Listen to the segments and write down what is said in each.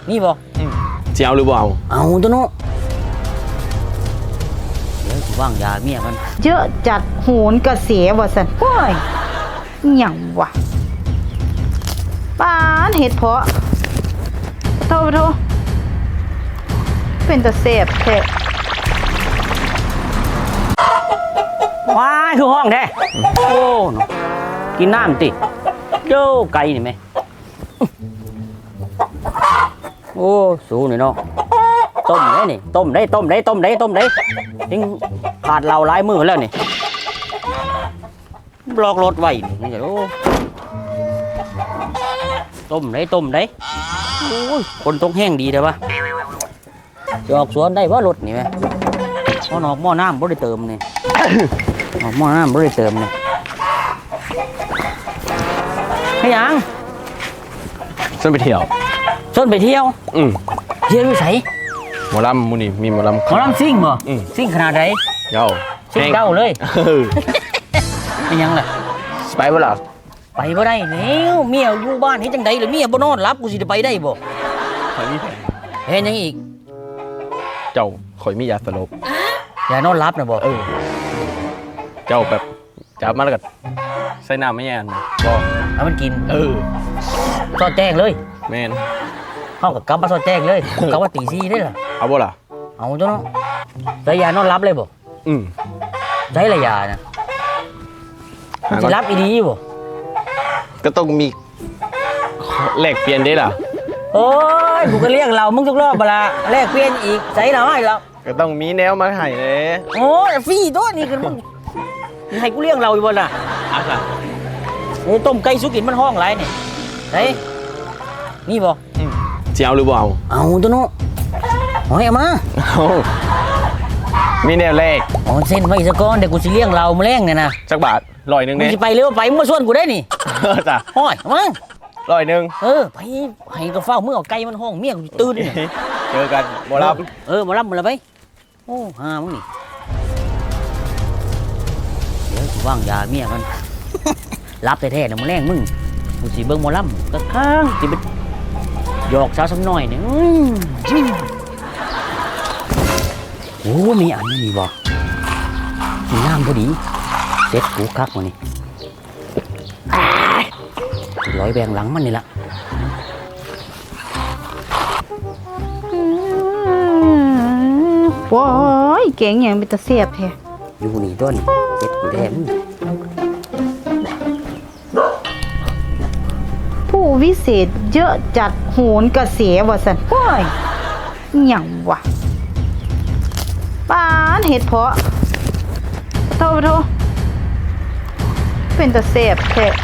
นี่บ่จะเอาหรือเปล่าเอาตัวนู้เดี๋ยวว่างยาเมียกันเยอะจัดโหนกระเสียว่ะสันโอ้ยหยังวะป้านเห็ดเพาะโทษเป็นตะเสบแท้ว้ายคือห้องแท้โอ้เนาะกินน้ำติโย่ไก่นี่ไหมโอ้สูนี่เนาะต้มได้นี่ต้มได้ทิ้งขาดเราหลายมือแล้วนี่บล็อกรถไว้นี่จะโอ้ต้มได้โอ้ยคนต้องแห้งดีเลยปะจะออกสวนได้ว่ารถนี่ไหมพอนอกหม้อน้ำบ่ได้เติมนี่ออกหม้อน้ำบ่ได้เติมนี่ให้ยังส้นไปเที่ยวเที่ยวเที่ยวอยู่ไสหมอลำมูนี่มีหมอลำซิ่งบ่ซิ่งขนาดไหนเย้าซิ่งเก้าเลยให้ยังล่ะไปบ่ล่ะไปบ่ได้แล้วเมียอยู่บ้านเฮ็ดจังได๋ล่ะเมียบ่นอนหลับกูสิได้ไปได้บ่ข่อยมีแผนเฮ็ดหยังอีกเจ้าข่อยมียาสลบยานอนหลับน่ะบ่เจ้าแบบจับมาแล้วก็ใส่น้ำไม่แย่นบ่เอามันกินซอดแจ้งเลยแม่นเข้ากับกลับมาซอดแจ้งเลยกลับว่าตี4ได้ล่ะเอาบ่ล่ะเอาตัวเนาะใส่ยานอนหลับเลยบ่ใส่ละยานะสิรับอีดีบ่ก็ต้องมีแลกเปลี่ยนได้ล่ะโอ้ยกูก็เรียกเรามึงทุกรอบบ่ล่ะแลกเปลี่ยนอีกใส่เราให้เราก็ต้องมีแนวมาให้เด้โอ้ยฟรีตัวนี้กันมึงให้กูเลี้ยงเราอยู่บ่ล่ะโอ้ต้มไก่สุกินมันห้องไรนี่เฮ้ยนี่บ่จะเอาหรือเปล่าเอาตัวนู้เอามามีแนวแรกเส้นไว้ซะก่อนเดี๋ยวกูสิเลี้ยงเรามาแรงเนี่ยนะสักบาท100นึงเนี่ยมึงสิไปเร็วไปมึงมาชวนกูได้นี่จ้ะห้อยมา 100นึงไปให้ก็เฝ้ามึงเอาไก่มันห้องเมียกูตื่นเนี่ยเจอกันหมอลำหมอลำหมดแล้วไปโอ้ห่ามึงนี่เดี๋ยวกูว่างยาเมียกันรับแท้ๆนะมึงแรงมึงกูสิเบิ่งหมอลำก็ข้างสิไปหยอกสาวสักหน่อยเนี่ยโอ้มีอันนี้บ่มีน้ำพอดีเซ็ตกูคักมานี่ร้อยแบงหลังมันนี่ละโอ้ยเก่งอย่างเป็นตะเสียบแท้อยู่นี่ต้นเซ็ตกูแทนผู้วิเศษเยอะจัดโหนกระเสียว่ะสันโอ้ยหยังวะป้านเห็ดเพาะโทษเป็นตะเสบแท้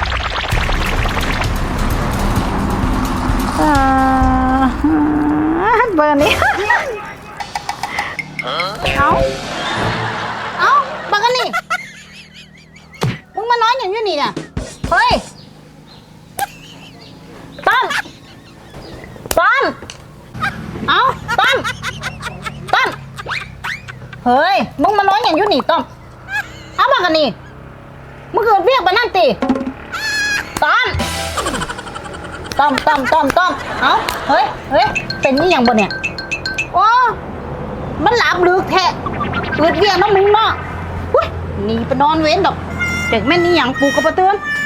เบอร์นี้เอาบักกันนี่มึงมาน้อยอย่างนี้นี่น่ะเฮ้ยต้นเอาต้นเฮ้ยมึงมาน้อยอย่างนี้นี่ต้อมเอาบักกันนี่มึงเกิดเรียกมานั่นตีต้อมเอาเฮ้ยเป็นนี่อย่างบ่เนี่ยโอ้มันหลับลึกแท้เกิดเรียกน้องมึงเนาะหนีไปนอนเว้นดอกเด็กแม่นี่อย่างปูกระเตือน